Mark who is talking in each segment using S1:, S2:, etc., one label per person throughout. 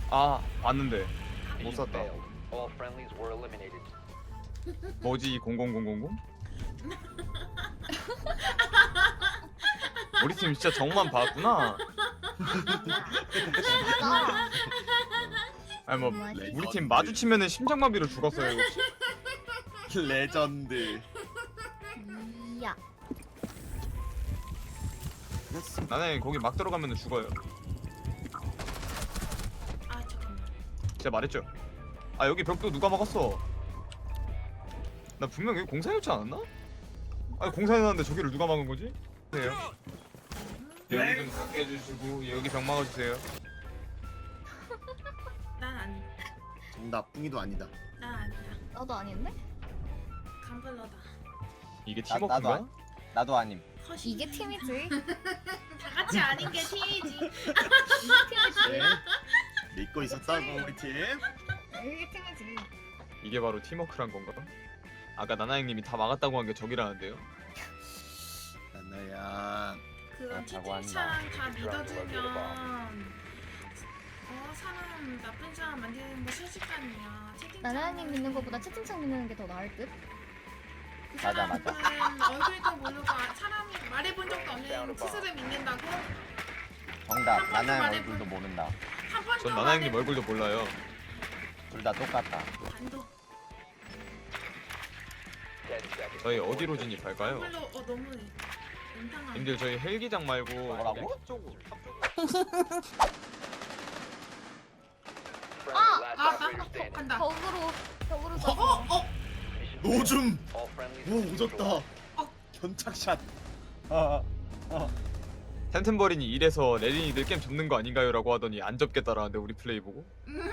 S1: 아 봤는데 못 샀다.
S2: All friendlies were eliminated.
S1: 뭐지 00000? 우리 팀 진짜 정만 봤구나. 아니 뭐 우리 팀 마주치면은 심장마비로 죽었어요. 혹시?
S3: 레전드.
S4: 이야.
S1: 나는 거기 막 들어가면은 죽어요.
S5: 아 잠깐만.
S1: 제가 말했죠. 아 여기 벽도 누가 막았어? 나 분명 여기 공사해놓지 않았나? 아니 공사해놨는데 저기를 누가 막은 거지? 네요. 여기 좀 닫게 해주시고 여기 벽 막아주세요.
S5: 난 아니.
S3: 정답 뿡이도 아니다.
S5: 난 아니야.
S4: 나도 아닌데?
S5: 강블러다.
S1: 이게
S6: 나도
S1: 팀워크인가?
S6: 나도 아님.
S5: 허시.
S4: 이게 팀이지.
S5: 다 같이 아닌 게 팀이지.
S3: 네. 믿고 있었다고 우리 팀.
S4: 이게 팀이지.
S1: 이게 바로 팀워크란 건가? 아까 나나 형님이 다 막았다고 한 게 저기라는데요?
S3: 나나야.
S5: 그건
S6: 자고
S5: 채팅창 다 믿어주면 사람 나쁜 사람 만드는 거 순식간이야. 채팅창.
S4: 나나님 믿는 것보다 채팅창 믿는 게 더 나을 듯?
S5: 그
S6: 맞아,
S5: 사람은 얼굴도 모르고 사람이 말해본 적도 없는 스스로 믿는다고?
S6: 정답. 나나의 얼굴도 모른다.
S5: 한 번도
S1: 전 나나 형님 얼굴도 몰라요.
S6: 둘 다 똑같다.
S5: 반도.
S2: 10 seconds.
S1: 저희 어디로 진입할까요?
S5: 얼굴로 너무 인상한.
S1: 님들 저희 헬기장 말고
S6: 뭐라고?
S1: 쪽으로
S2: Friendly last
S5: 아,
S2: operator standing.
S5: 간다.
S4: 벽으로
S2: Mission
S3: 노줌.
S2: failed. All friendlies
S3: 오
S2: were
S3: 오졌다.
S2: neutralized.
S3: 견착샷.
S1: 템템버린이 이래서 레린이들 게임 접는 거 아닌가요? 라고 하더니 안 접겠다라는데 우리 플레이 보고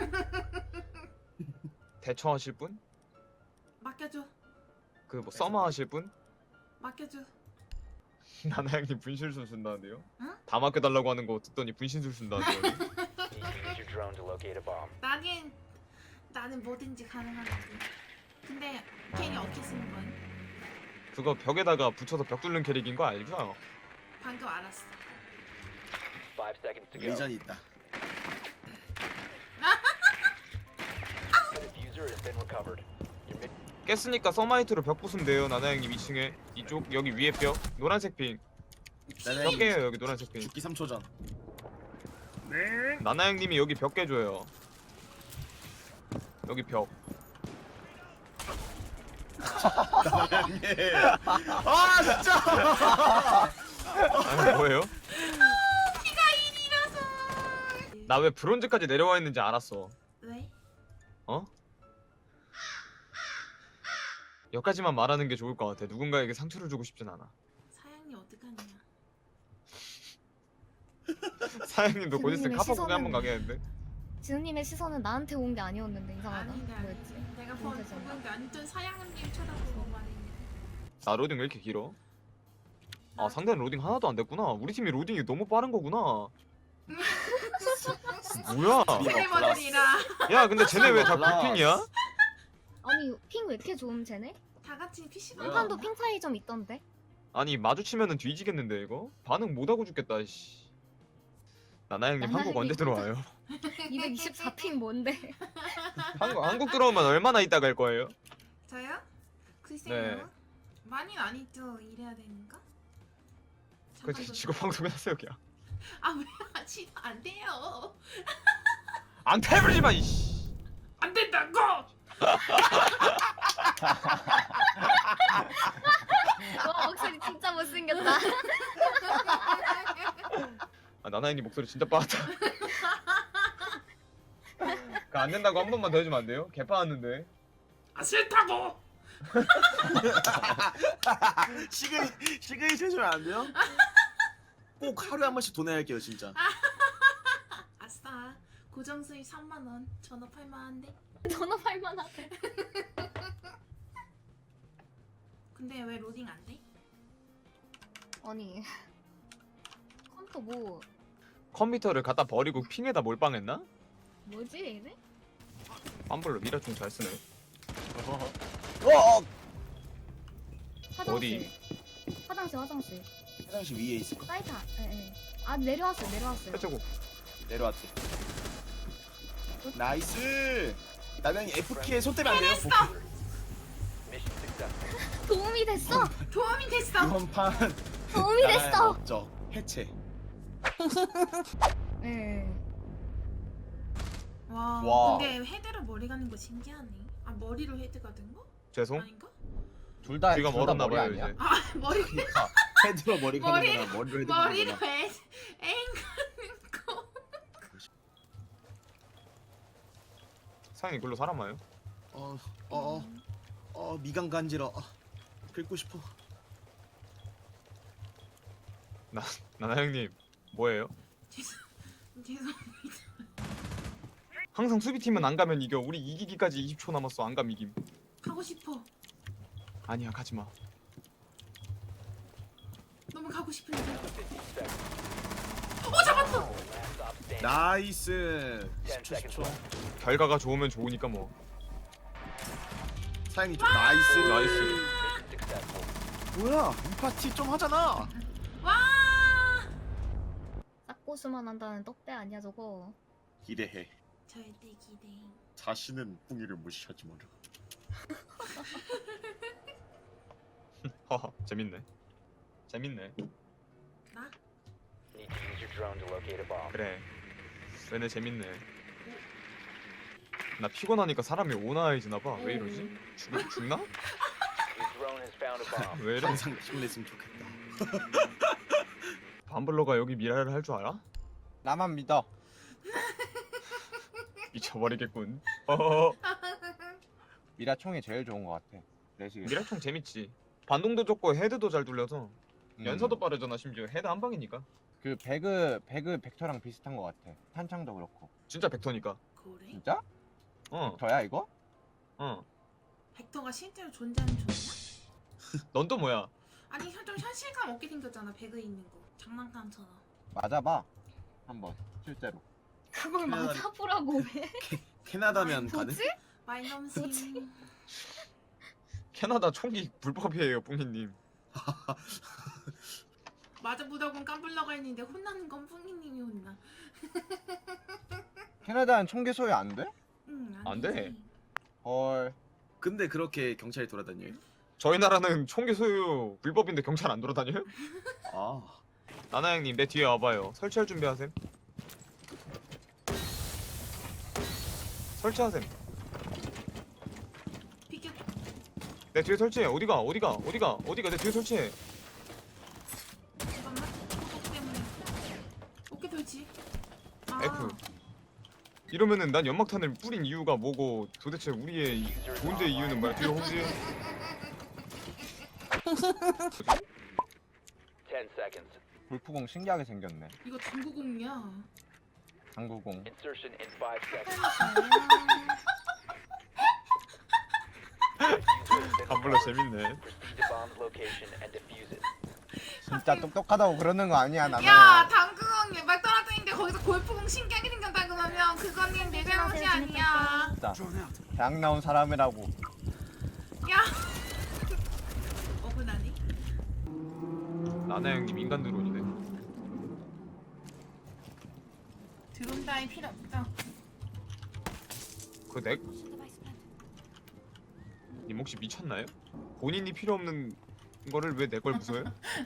S1: 대처하실 분?
S5: 맡겨줘.
S1: 그 뭐 서머 하실 분?
S5: 맡겨줘.
S1: 나나 형님 분신술 쓴다는데요?
S5: 응?
S1: 다 맡겨달라고 하는 거 듣더니 분신술 쓴다는데요?
S2: Need to use your drone to locate a bomb.
S5: 나는 뭐든지 가능한데. 근데 괜히 어떻게 쓰는 거야?
S1: 그거 벽에다가 붙여서 벽 뚫는 캐릭인 거 알죠?
S5: 방금 알았어.
S2: 5 seconds to go.
S3: 레전이 있다.
S2: The diffuser has been recovered. Your mission
S1: 깼으니까 서마이트로 벽 부수면 돼요. 나나 형님 2층에 이쪽 여기 위에 벽 노란색 핑.
S3: 나나야.
S1: 벽 깨요 여기 노란색 핑.
S3: 죽기 3초 전.
S1: 나나 형님이 여기 벽 깨줘요. 여기 벽.
S3: 나나야. 아 진짜.
S1: 아니 뭐예요?
S5: 피가 1이라서.
S1: 나 왜 브론즈까지 내려와 있는지 알았어.
S5: 왜?
S1: 어? 여기까지만 말하는 게 좋을 것 같아. 누군가에게 상처를 주고 싶진 않아.
S5: 사양이 어떡하냐?
S1: 사장님도 곧 있으면
S4: 지금님의
S1: 카파국에 한번
S4: 시선은-
S1: 가겠는데?
S4: 지은님의 시선은 나한테 온 게 아니었는데 이상하다.
S5: 아니다.
S4: 뭐였지?
S5: 내가
S4: 진짜
S5: 보는 게 완전 사양님 쳐다보고 말했네.
S1: 나 로딩 왜 이렇게 길어? 아 상대는 로딩 하나도 안 됐구나. 우리 팀이 로딩이 너무 빠른 거구나. 뭐야?
S5: 스트리머들이라
S1: 야 근데 쟤네 왜 다
S3: 플러스.
S1: 굴핑이야?
S4: 아니 핑 왜 이렇게 좋음 쟤네?
S5: 다 같이 PC방.
S3: 뭐야?
S4: 한판도 핑 차이 좀 있던데?
S1: 아니 마주치면은 뒤지겠는데 이거? 반응 못하고 죽겠다 씨. 나나 형님
S4: 나나
S1: 한국 언제
S4: 형님
S1: 들어와요?
S4: 224핑 뭔데?
S1: 한국 들어오면 얼마나 있다 갈 거예요?
S5: 저요? 글쎄요.
S1: 네.
S5: 많이 안 있죠. 일해야 되니까.
S1: 그
S5: 잠깐만.
S1: 직업 방송에 하세요 그냥.
S5: 왜 하지? 안 돼요.
S1: 안 패버리지마 이씨.
S5: 안 된다고.
S4: 와 목소리 진짜 못생겼다.
S1: 아 나나 형님 목소리 진짜 빠졌다. 그안 된다고 한 번만 더 해주면 안 돼요? 개 빠졌는데.
S5: 싫다고.
S3: 시그니 해주면 안 돼요? 꼭 하루에 한 번씩 돈 내야 할게요 진짜.
S5: 아싸. 고정 수입 3만 원. 전업할 만한데.
S4: 전업할 만하대.
S5: 근데 왜 로딩 안 돼?
S4: 아니 컴퓨터 뭐
S1: 컴퓨터를 갖다 버리고 핑에다 몰빵했나?
S4: 뭐지 얘네?
S1: 빰블로 미라총 잘 쓰네.
S4: 화장실.
S1: 어디?
S4: 화장실.
S3: 화장실 위에 있을 거.
S4: 사이트. 예. 아 내려왔어요.
S1: 해주고
S6: 내려왔지.
S3: 나이스. 나경이 F키에 손 떼면 안 돼요.
S2: Mission successful.
S4: 도움이 됐어.
S5: 도움이 됐어.
S3: 이번 판
S4: 도움이 됐어.
S3: 업적 해체.
S4: 네.
S5: 와,
S6: 와.
S5: 근데 헤드로 머리 가는 거 신기하네. 아, 머리로 헤드가 된 거?
S1: 죄송.
S5: 아닌가?
S6: 둘다
S1: 귀가 멀었나 봐요 이제.
S5: 아, 머리
S3: 헤드로 머리 가는 거나 머리로 헤드 가는
S5: 머리로
S3: 거나.
S5: 애인 가는 거.
S1: 사장님 글로 사람 와요?
S3: 미간 간지러. 긁고 싶어.
S1: 나나 형님 뭐예요?
S5: 죄송합니다.
S1: 항상 수비팀은 안 가면 이겨. 우리 이기기까지 20초 남았어. 안 가면 이김.
S5: 가고 싶어.
S1: 아니야 가지 마.
S5: 너무 가고 싶은데.
S2: 50 seconds.
S5: 잡았어.
S2: Last stop standing.
S3: 나이스.
S2: 10
S3: 10초
S2: seconds
S3: 10초.
S2: left.
S1: 결과가 좋으면 좋으니까 뭐.
S3: 사장님 좀 나이스.
S1: 나이스.
S2: Mission successful.
S3: 뭐야? 이 파티 좀 하잖아.
S5: 와.
S4: 싹고수만 한다는 떡대 아니야 저거.
S3: 기대해.
S5: 절대 기대.
S3: 자신은 뿡이를 무시하지 마라.
S1: 허허 재밌네. 재밌네.
S5: 나?
S2: Need to use your drone to locate a bomb.
S1: 그래. 얘네 재밌네. 나 피곤하니까 사람이 오나해지나 봐. 왜 이러지? 죽나?
S2: Your drone has found a bomb.
S1: 왜 이래?
S3: 항상 힘냈으면 좋겠다.
S1: 밤블러가 여기 미라를 할 줄 알아?
S6: 나만 믿어.
S1: 미쳐버리겠군. 어허허.
S6: 미라 총이 제일 좋은 것 같아. 내시계.
S1: 미라총 재밌지. 반동도 좋고 헤드도 잘 돌려서
S6: 음.
S1: 연사도 빠르잖아. 심지어 헤드 한 방이니까.
S6: 그 배그 벡터랑 비슷한 것 같아. 탄창도 그렇고.
S1: 진짜 벡터니까.
S5: 그래?
S6: 진짜?
S1: 어.
S6: 벡터야 이거?
S1: 어.
S5: 벡터가 실제로 존재하는 존재야?
S1: 넌 또 뭐야?
S5: 아니 좀 현실감 없게 생겼잖아. 배그 있는 거. 장난감처럼.
S6: 맞아봐. 한번 실제로.
S4: 그걸
S3: 그냥-
S4: 맞아보라고 왜?
S3: 캐나다면 가능?
S4: 뭐지?
S5: 마이너스.
S1: 캐나다 총기 불법이에요, 뿡이님.
S5: 맞아 보다곤 깜불러가 있는데 혼나는 건 뿡이님이 혼나.
S6: 캐나다는 총기 소유 안 돼?
S5: 응,
S1: 안
S5: 되지.
S1: 돼.
S6: 헐.
S3: 근데 그렇게 경찰이 돌아다녀요?
S1: 저희 나라는 총기 소유 불법인데 경찰 안 돌아다녀요?
S3: 아.
S1: 나나 형님 내 뒤에 와봐요. 설치할 준비하셈. 설치하셈.
S5: 비켜.
S1: 내 뒤에 설치해. 어디가 내 뒤에 설치해.
S5: 잠깐만. ок 때문에. 어깨 돌지. 아.
S1: F. 이러면은 난 연막탄을 뿌린 이유가 뭐고 도대체 우리의 존재 이유는 뭐야? 뒤로 혹시
S2: 10 seconds.
S6: 불프공 신기하게 생겼네.
S5: 이거 당구공이야.
S6: 당구공.
S2: Insertion in 5 seconds.
S1: 간불러 재밌네.
S2: Proceed to bomb's location and defuse it.
S6: 진짜 똑똑하다고 그러는 거 아니야 나는.
S5: 야, 당구공 막 떨어뜨리는데 거기서 골프공 신기하게 생겼다 그러면 그거는 내 잘못이 아니야.
S6: 진짜 대학 나온 사람이라고.
S5: 야. 억울하네.
S1: 나나 형님 인간 드론이네.
S5: 드론 따위 필요 없다.
S1: 그 넥? 님 혹시 미쳤나요? 본인이 필요 없는 거를 왜 내 걸 부숴요?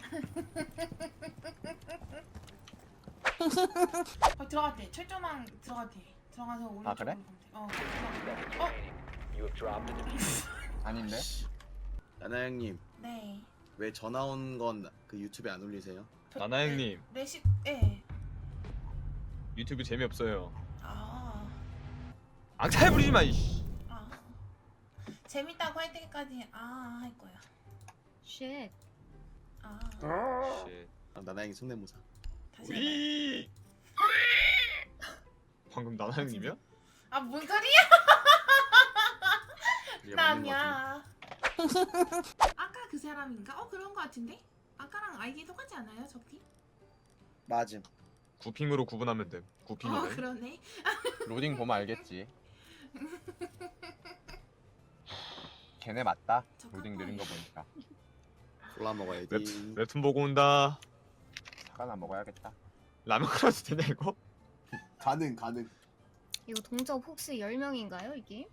S5: 들어갔대. 철조망 들어갔대. 들어가서 오른쪽으로
S6: 아, 그래?
S5: 가면 돼. 어.
S2: Seconds
S5: 어.
S2: remaining. You have dropped the diffuser.
S6: 아닌데?
S3: 나나 형님
S5: 네.
S3: 왜 전화 온 건 그 유튜브에 안 올리세요?
S1: 나나 형님
S5: 레시. 예.
S1: 유튜브 재미없어요.
S5: 아.
S1: 앙탈 부리지 마. 이씨.
S5: 아. 재밌다고 할 때까지 할 거야.
S4: 쉣.
S5: 아.
S1: 씨.
S3: 나나 형이 성대모사.
S5: 다시. 해봐.
S1: 우이. 방금 나나 형님이야?
S5: 아, 뭔 소리야?
S3: 이게
S5: 나
S3: 맞는 거 같은데.
S5: 아니야. 아까 그 사람인가? 그런 거 같은데? 아까랑 아이디 똑같지 않아요, 저기?
S3: 맞음.
S1: 구핑으로 구분하면 돼. 구핑이네.
S5: 그러네.
S6: 로딩 보면 알겠지. 걔네 맞다.
S5: 저
S6: 로딩 느린 거 보니까.
S3: 골라 먹어야지.
S1: 웹툰 보고 온다.
S6: 사과나 먹어야겠다.
S1: 라면 끓여도 되냐 이거?
S3: 가능.
S4: 이거 동접 혹시 10명인가요 이게?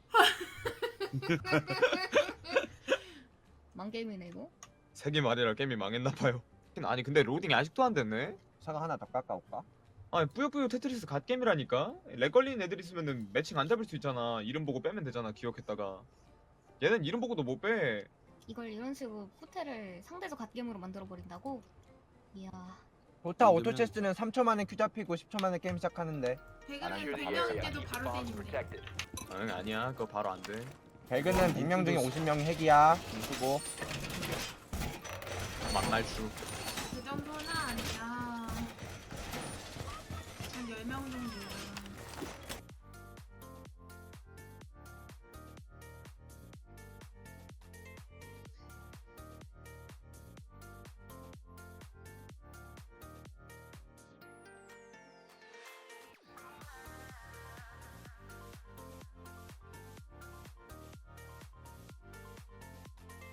S4: 망게임이네 이거.
S1: 세개 말이라 게임이 망했나봐요. 아니 근데 로딩이 아직도 안 됐네.
S6: 사과 하나 더 깎아올까?
S1: 아니 뿌요뿌요 테트리스 갓게임이라니까. 렉 걸리는 애들 있으면은 매칭 안 잡을 수 있잖아. 이름 보고 빼면 되잖아 기억했다가. 얘는 이름 보고도 못 빼.
S4: 이걸 이런 식으로 호텔을 상대적 갓겜으로 만들어 버린다고? 이야.
S6: 도타 오토체스는 3초 만에 큐 잡히고 10초 만에 게임 시작하는데
S5: 배그는
S2: Secure the
S5: 100명
S2: area.
S5: 때도
S2: Keep
S5: 바로
S2: bombs
S5: 되는데.
S2: protected.
S1: 응 아니야 그거 바로 안 돼.
S6: 배그는 100명 중에 50명이 핵이야. 수고.
S1: 만날수.
S5: 그 정도는 아니야. 한 10명 정도야.